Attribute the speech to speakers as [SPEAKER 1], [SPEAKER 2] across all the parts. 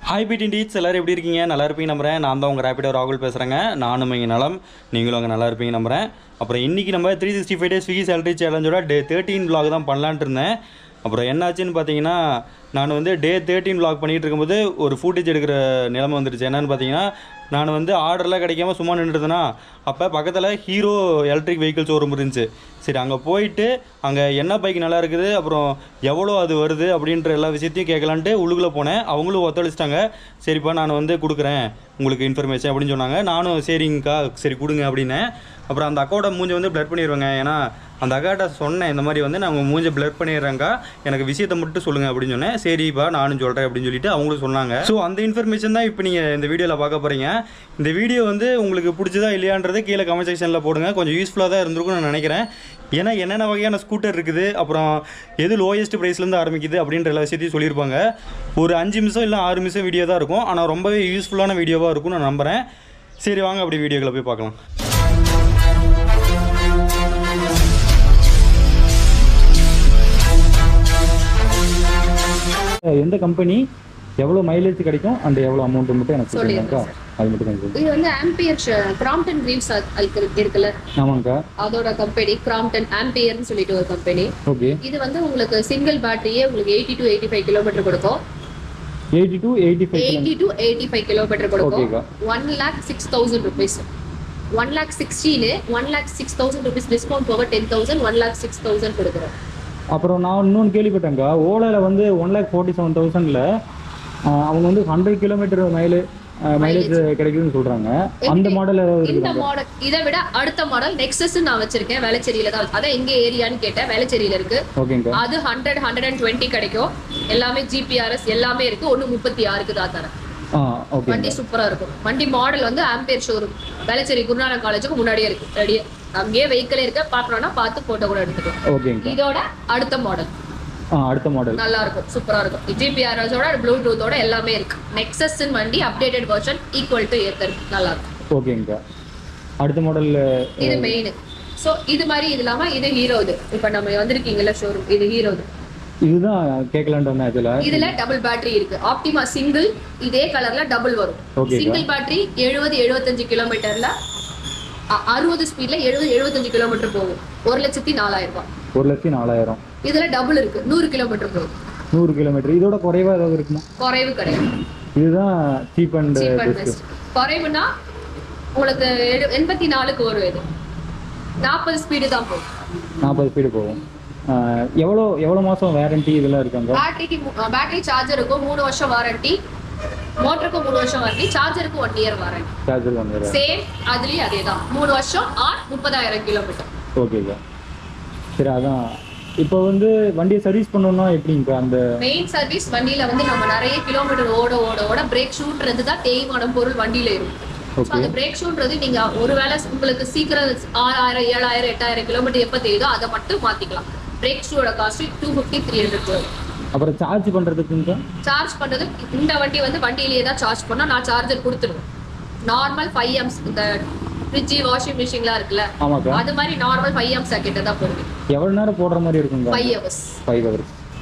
[SPEAKER 1] Hi பிடின் deeds எல்லோரும் எப்படி இருக்கீங்க? நல்லா இருப்பீங்க நம்புகிறேன். நான் தான் உங்கள் ரேப்பிடோ ராகுல் பேசுகிறேங்க. நானும் இங்கே நலம், நீங்களும் அங்கே நல்லா இருப்பீங்க நம்புகிறேன். அப்புறம் இன்றைக்கி நம்ம 365 டேஸ் ஸ்விக்கி சேலரி சேலஞ்சோட டே 13 vlog தான் பண்ணலான்ட்டு இருந்தேன். அப்புறம் என்னாச்சுன்னு பார்த்தீங்கன்னா, நான் வந்து டே 13 vlog பண்ணிகிட்டு இருக்கும்போது ஒரு ஃபூட்டேஜ் எடுக்கிற நிலைமை வந்துருச்சு. என்னென்னு பார்த்தீங்கன்னா, நான் வந்து ஆர்டர்லாம் கிடைக்காம சும்மா நின்றுதுன்னா, அப்போ பக்கத்தில் ஹீரோ எலக்ட்ரிக் வெஹிக்கிள் ஷோரூம் இருந்துச்சு. சரி, அங்கே போயிட்டு அங்கே என்ன பைக் நல்லா இருக்குது, அப்புறம் எவ்வளோ அது வருது அப்படின்ற எல்லா விஷயத்தையும் கேட்கலான்ட்டு உள்ளுக்குள்ளே போனேன். அவங்களும் ஒத்துழைச்சிட்டாங்க. சரிப்பா, நான் வந்து கொடுக்குறேன் உங்களுக்கு இன்ஃபர்மேஷன் அப்படின்னு சொன்னாங்க. நானும் சரிங்கக்கா, சரி கொடுங்க அப்படின்னேன். அப்புறம் அந்த அக்காவோட மூஞ்சை வந்து பிளர் பண்ணிடுவேங்க. ஏன்னா அந்த அக்காட்ட சொன்னேன், இந்த மாதிரி வந்து நான் உங்கள் மூஞ்சை பிளர் பண்ணிடுறேங்க்கா, எனக்கு விஷயத்தை மட்டும் சொல்லுங்கள் அப்படின்னு சொன்னேன். சரிப்பா நானும் சொல்கிறேன் அப்படின்னு சொல்லிட்டு அவங்களும் சொன்னாங்க. ஸோ அந்த இன்ஃபர்மேஷன் தான் இப்போ நீங்கள் இந்த வீடியோவில் பார்க்க போகிறீங்க. இந்த வீடியோ வந்து உங்களுக்கு பிடிச்சதா இல்லையான்றது கீழே கமெண்ட் செக்ஷனில் போடுங்க. கொஞ்சம் யூஸ்ஃபுல்லாக தான் இருந்திருக்கும்னு நான் நினைக்கிறேன். ஏன்னா என்னென்ன வகையான ஸ்கூட்டர் இருக்குது, அப்புறம் எது லோயஸ்ட் ப்ரைஸ்லேருந்து ஆரம்பிக்குது அப்படின்ற எல்லா விஷயத்தையும் சொல்லியிருப்பாங்க. ஒரு 5 நிமிஷம் இல்லை 6 நிமிஷம் வீடியோ தான் இருக்கும். ஆனால் ரொம்பவே யூஸ்ஃபுல்லான வீடியோவாக இருக்கும்னு நான் நம்புகிறேன். சரி வாங்க அப்படி வீடியோக்களை போய் பார்க்கலாம். எந்த கம்பெனி, எவ்வளோ மைலேஜ் கிடைக்கும், அண்ட் எவ்வளோ அமௌண்ட் மட்டும் எனக்கு சொல்லுங்கக்கா. அது மட்டும் கொஞ்சம்.
[SPEAKER 2] இது வந்து ஆம்பியர் கிராம்ப்டன் கிரீவ்ஸ் இருக்குல்ல, ஆமாங்கக்கா, அதோட கம்பெனி கிராம்ப்டன் ஆம்பியர்னு சொல்லிட்டு ஒரு கம்பெனி. ஓகே. இது வந்து உங்களுக்கு சிங்கிள் பேட்டரியே உங்களுக்கு 80 to 85 கிலோமீட்டர் கொடுக்கும்.
[SPEAKER 1] 80 to 85
[SPEAKER 2] கிலோமீட்டர் கொடுக்கும். 1,06,000 rupees. 1,16,000 1,06,000 rupees டிஸ்கவுண்ட் போக 10,000 1,06,000 கொடுக்குறோம்.
[SPEAKER 1] அப்புறம் நான் இன்னொன்று கேள்விப்பட்டேங்க, ஓலாவில் வந்து 1,47,000 அவங்க வந்து 100 கிலோமீட்டர் மைலேஜ் கிடைக்குதுன்னு சொல்றாங்க. அந்த மாடல்
[SPEAKER 2] இந்த மாடல் இதை விட அடுத்த மாடல் நெக்ஸஸ் நான் வச்சிருக்கேன். வேளச்சேரியில தான். அதான் எங்க ஏரியான்னு கேட்டேன். வேளச்சேரியில இருக்கு. அது 100 120 கிடைக்கும். எல்லாமே ஜிபிஆர்எஸ் எல்லாமே இருக்கு. 136க்கு தான் தரேன். வண்டி சூப்பரா இருக்கும். வண்டி மாடல் வந்து ஆம்பியர் ஷோரூம், வேளச்சேரி குருநானக் காலேஜுக்கு முன்னாடியே இருக்கு. ரெடியா அங்கேயே வெஹிக்கிள் இருக்க, பாக்கணும்னா பார்த்து போட்டோ கூட எடுத்துக்கலாம். இதோட அடுத்த மாடல் நல்லா இருக்கும், சூப்பரா இருக்கும். ஜிபிஆர்எஸோட ப்ளூடூத்தோட எல்லாமே இருக்கு. நெக்ஸஸ் வண்டி updated version equal to Ather, நல்லா இருக்கும்.
[SPEAKER 1] ஓகேங்க. அடுத்த மாடல்
[SPEAKER 2] இது மெயின். சோ இது மாதிரி இது இல்லாம இது ஹீரோ. இது இப்ப நம்ம வந்திருக்கீங்கல்ல ஷோரூம், இது ஹீரோ.
[SPEAKER 1] இதுதான் கேட்கலாம்னு வந்தேன்.
[SPEAKER 2] இதுல டபுள் பேட்டரி இருக்கு. ஆப்டிமா சிங்கிள் இதே கலர்ல டபுள் வரும். சிங்கிள் பேட்டரி 70-75 கிலோமீட்டர்ல 60 ஸ்பீட்ல 70-75 கிலோமீட்டர் போகும். 1,04,000 ரூபாய்.
[SPEAKER 1] 1,04,000.
[SPEAKER 2] இதுல டபுள் இருக்கு, 100 கிலோமீட்டர் போகும்.
[SPEAKER 1] 100 கிலோமீட்டர். இதோட குறைவா ஏதாவது இருக்குமா?
[SPEAKER 2] குறைவு கிடையாது.
[SPEAKER 1] இதுதான் சீப் அண்ட் பெஸ்ட்.
[SPEAKER 2] குறைவுனா உங்களுக்கு 84க்கு வரும். இது 40 ஸ்பீடு தான் போகும்.
[SPEAKER 1] 40 ஸ்பீடு போகும். எவ்வளோ மாதம் வாரண்டி இதெல்லாம் இருக்காங்க?
[SPEAKER 2] பேட்டரி சார்ஜருக்கு 3 வருஷம் வாரண்டி, மோட்டருக்கு 3 வருஷம் வாரண்டி, சார்ஜருக்கு 1 இயர் வாரண்டி.
[SPEAKER 1] சார்ஜர் 1 இயர்
[SPEAKER 2] சேம். அதுலயும் அதேதான், 3 வருஷம் ஆர் 30,000 கிலோமீட்டர்.
[SPEAKER 1] ஓகேங்க. சரி, அதான் இப்போ வந்து வண்டியை சர்வீஸ் பண்ணணும்னா எப்படிங்க? அந்த
[SPEAKER 2] மெயின் சர்வீஸ் வண்டியில வந்து நம்ம நிறைய கிலோமீட்டர் ஓட பிரேக் ஷூன்றது தான் தேய்மானம் பொருள் வண்டியில இருக்கும். அந்த பிரேக் ஷூன்றது நீங்க ஒருவேளை உங்களுக்கு சீக்கிரம் 6,000 7,000 8,000 கிலோமீட்டர் எப்ப தெரியுதோ அதை மட்டும் மாத்திக்கலாம். பிரேக் ஷூவோட காஸ்ட் 250-300 வரும்.
[SPEAKER 1] அப்புறம் சார்ஜ் பண்றதுக்கு
[SPEAKER 2] இந்த வண்டி வந்து வண்டியிலேயே தான் சார்ஜ் பண்ணா நான் சார்ஜர் கொடுத்துருவேன். நார்மல் 5 amps இந்த ஃப்ரிட்ஜ் வாஷிங் மிஷின்லாம் இருக்குல்ல, அது மாதிரி நார்மல் 5 amps சாக்கெட்டை தான் போடுவேன்.
[SPEAKER 1] எவ்வளவு நேரம் போடுற மாதிரி இருக்குங்க?
[SPEAKER 2] 5 hours.
[SPEAKER 1] 5 hours.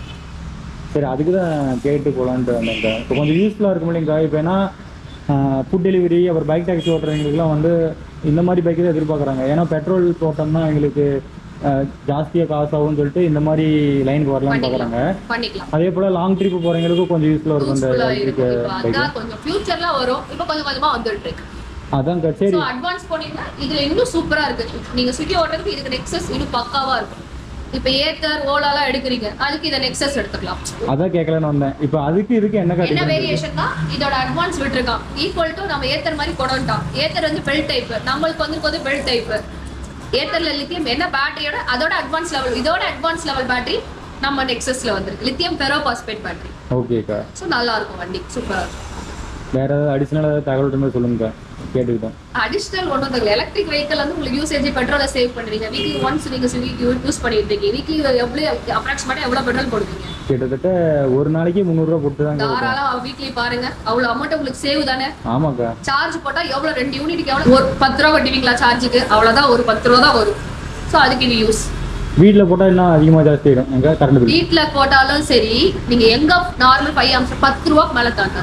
[SPEAKER 1] சரி, அதுக்கு தான் கேட்டு போகலான்ட்டு வந்தேன். இப்போ கொஞ்சம் யூஸ்ஃபுல்லாக இருக்கும் இல்லைங்க. இப்போ ஏன்னா ஃபுட் டெலிவரி அப்புறம் பைக் டாக்ஸி ஓட்டுறவங்களுக்குலாம் வந்து இந்த மாதிரி பைக்கு தான் எதிர்பார்க்குறாங்க. ஏன்னா பெட்ரோல் போட்டோம்னா எங்களுக்கு ஜாஸ்தியாக காசு ஆகும்னு சொல்லிட்டு இந்த மாதிரி லைனுக்கு வரலாம்னு பார்க்குறாங்க. அதே போல் லாங் ட்ரிப் போகிறவங்களுக்கும் கொஞ்சம் யூஸ்ஃபுல்லாக இருக்கும் இந்த எலக்ட்ரிக் பைக்.
[SPEAKER 2] கொஞ்சம் ஃபியூச்சர்ல வரும். இப்போ கொஞ்சம் கொஞ்சமாக வந்துட்டு இருக்கு.
[SPEAKER 1] அதான் சரி,
[SPEAKER 2] அட்வான்ஸ் போனீங்கன்னா இதுல இன்னும் சூப்பரா இருக்கு. நீங்க ஸ்விக்கி ஓட்டுறதுக்கு இதுக்கு நெக்ஸஸ் இன்னும் பக்காவா இருக்கும். இப்போ ஏத்தர் ஓலாலாம் எடுக்கிறீங்க, அதுக்கு இத நெக்ஸஸ் எடுத்துக்கலாம்.
[SPEAKER 1] அதான் கேட்கலான்னு வந்தேன். இப்போ அதுக்கு இதுக்கு என்ன
[SPEAKER 2] வேரியேஷன் தான் இதோட அட்வான்ஸ் விட்டுருக்கான். ஈக்குவல் டு நம்ம ஏத்தர் மாதிரி கொண்டான். ஏத்தர் வந்து பெல்ட் டைப், நம்மளுக்கு வந்து பெல்ட் டைப். ஏத்தர்ல லித்தியம் என்ன பேட்டரியோட அதோட அட்வான்ஸ் லெவல், இதோட அட்வான்ஸ் லெவல் பேட்டரி நம்ம நெக்ஸஸ்ல வந்திருக்கு. Lithium ferrophosphate battery.
[SPEAKER 1] ஓகேக்கா.
[SPEAKER 2] சோ நல்லா இருக்கும் வண்டி, சூப்பரா இருக்கும்.
[SPEAKER 1] வேற ஏதாவது அடிஷனல் தகவல் இருந்தா சொல்லுங்க, கேட்டுக்கிட்டோம்.
[SPEAKER 2] அடிஷனல் ஒன்றும் இல்லை. எலக்ட்ரிக் வெஹிக்கிள் வந்து உங்களுக்கு யூசேஜ் பெட்ரோலை சேவ் பண்ணுவீங்க. வீக்லி ஒன்ஸ் நீங்க யூஸ் பண்ணிட்டு இருக்கீங்க. வீக்லி எவ்வளோ அப்ராக்சிமேட்டா எவ்வளோ பெட்ரோல் போடுவீங்க?
[SPEAKER 1] கிட்டத்தட்ட ஒரு நாளைக்கு 300 ரூபா போட்டு தான்
[SPEAKER 2] தாராளம் வீக்லி பாருங்க. அவ்வளோ அமௌண்ட் உங்களுக்கு சேவ் தானே?
[SPEAKER 1] ஆமாக்கா. சார்ஜ்
[SPEAKER 2] போட்டா எவ்வளோ 2 யூனிட்டுக்கு எவ்வளோ? ஒரு 10 ரூபா கட்டுவீங்களா சார்ஜுக்கு? அவ்வளோதான், ஒரு 10 ரூபா தான் வரும். ஸோ அதுக்கு இது யூஸ்.
[SPEAKER 1] வீட்டில் போட்டால் இன்னும் அதிகமாக ஜாஸ்தி ஆகிடும். கரண்ட்
[SPEAKER 2] வீட்டில் போட்டாலும் சரி, நீங்கள் எங்கே நார்மல் 5 amps 10 ரூபாய்க்கு மேலே தாண்டாது.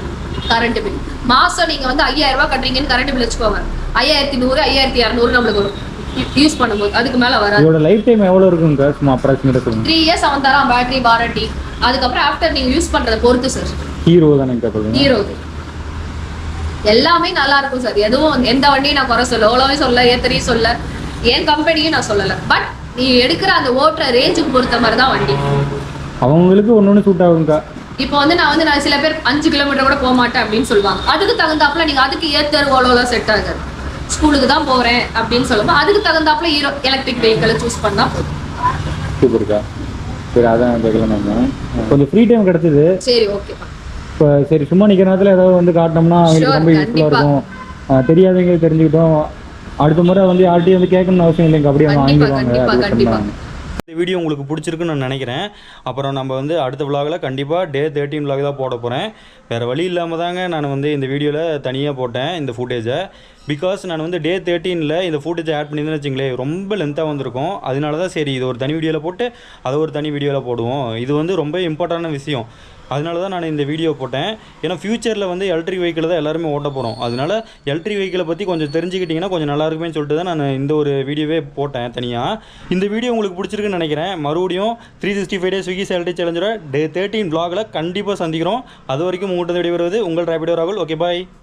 [SPEAKER 2] கரண்ட் பில் மாசம் நீங்க வந்து 5000 ரூபாய் கட்டுறீங்கன்னு கரண்ட் பில் வச்சுக்கோங்க, 5100 5200 நம்மளுக்கு வரும் யூஸ் பண்ணும்போது. அதுக்கு மேல வராது.
[SPEAKER 3] இதோட லைஃப் டைம் எவ்வளவு இருக்குங்க சும்மா அப்ராக்ஸிமேட்டா சொல்லுங்க?
[SPEAKER 2] 3 இயர்ஸ் அவன் தரான் பேட்டரி வாரண்டி. அதுக்கப்புறம் ஆஃப்டர் நீங்க யூஸ் பண்றத பொறுத்து சார்.
[SPEAKER 3] ஹீரோ தானே சொல்லுங்க?
[SPEAKER 2] ஹீரோ எல்லாமே நல்லா இருக்கும் சார். எதுவும் எந்த வண்டியும் நான் குறை சொல்ல, ஓலாவே சொல்ல, ஏத்தரையும் சொல்ல, என் கம்பெனியும் நான் சொல்லல. பட் நீ எடுக்கிற அந்த ஓட்டுற ரேஞ்சுக்கு பொறுத்த மாதிரி தான் வண்டி.
[SPEAKER 3] அவங்களுக்கு ஒன்னொன்னு சூட் ஆகுங்க.
[SPEAKER 2] இப்போ வந்து நான் சில பேர் 5 கிலோமீட்டர் கூட போக மாட்டேன் அப்படின்னு சொல்லுவாங்க. அதுக்கு தகுந்தாப்புல நீங்க அதுக்கு ஏத்தர் ஓலோலாம் செட் ஆகாது. ஸ்கூலுக்கு தான் போறேன் அப்படின்னு சொல்லும்போது அதுக்கு தகுந்தாப்புல ஹீரோ எலக்ட்ரிக் வெஹிக்கிளை சூஸ் பண்ணா
[SPEAKER 3] சூப்பர்க்கா. சரி, அதான் கேட்கலாம். கொஞ்சம் ஃப்ரீ டைம் கிடைச்சது.
[SPEAKER 2] சரி, ஓகே.
[SPEAKER 3] இப்போ சரி, சும்மா நிற்கிற நேரத்தில் ஏதாவது வந்து காட்டினோம்னா அவங்களுக்கு ரொம்ப யூஸ்ஃபுல்லாக இருக்கும். தெரியாதவங்க தெரிஞ்சுக்கிட்டோம். அடுத்த முறை வந்து யார்ட்டையும் வந்து கேட்கணும்னு அவசியம் இல்லைங்க, அப்படியே வாங்கிடுவாங்க.
[SPEAKER 1] இந்த வீடியோ உங்களுக்கு பிடிச்சிருக்குன்னு நான் நினைக்கிறேன். அப்புறம் நம்ம வந்து அடுத்த விலாகில் கண்டிப்பாக டே 13 விலாக் தான் போட போகிறேன். வேறு வழி இல்லாமல் தாங்க நான் வந்து இந்த வீடியோவில் தனியாக போட்டேன் இந்த ஃபுட்டேஜை. பிகாஸ் நான் வந்து டே 13ல் இந்த ஃபுட்டேஜை ஆட் பண்ணியிருந்தேன்னு வச்சுங்களேன், ரொம்ப லென்த்தாக வந்திருக்கும். அதனால தான் சரி இது ஒரு தனி வீடியோவில் போட்டு அதை ஒரு தனி வீடியோவில் போடுவோம். இது வந்து ரொம்ப இம்பார்ட்டண்டான விஷயம். அதனால தான் நான் இந்த வீடியோ போட்டேன். ஏன்னா ஃப்யூச்சரில் வந்து எலக்ட்ரிக் வெஹிக்கிள் தான் எல்லாருமே ஓட்ட போகிறோம். அதனால எலக்ட்ரிக் வெஹிக்கிளை பற்றி கொஞ்சம் தெரிஞ்சுக்கிட்டிங்கன்னா கொஞ்சம் நல்லா இருக்குமே சொல்லிட்டு தான் நான் இந்த ஒரு வீடியோவே போட்டேன் தனியாக. இந்த வீடியோ உங்களுக்கு பிடிச்சிருக்குன்னு நினைக்கிறேன். மறுபடியும் 365 டேஸ் ஸ்விக்கி சேலரி சேலஞ்சோட டே 13 vlogல கண்டிப்பாக சந்திக்கிறோம். அது வரைக்கும் உங்கள்கிட்ட விடைபெறுவது உங்கள் ராபிடோ ராகுல். ஓகே, பாய்.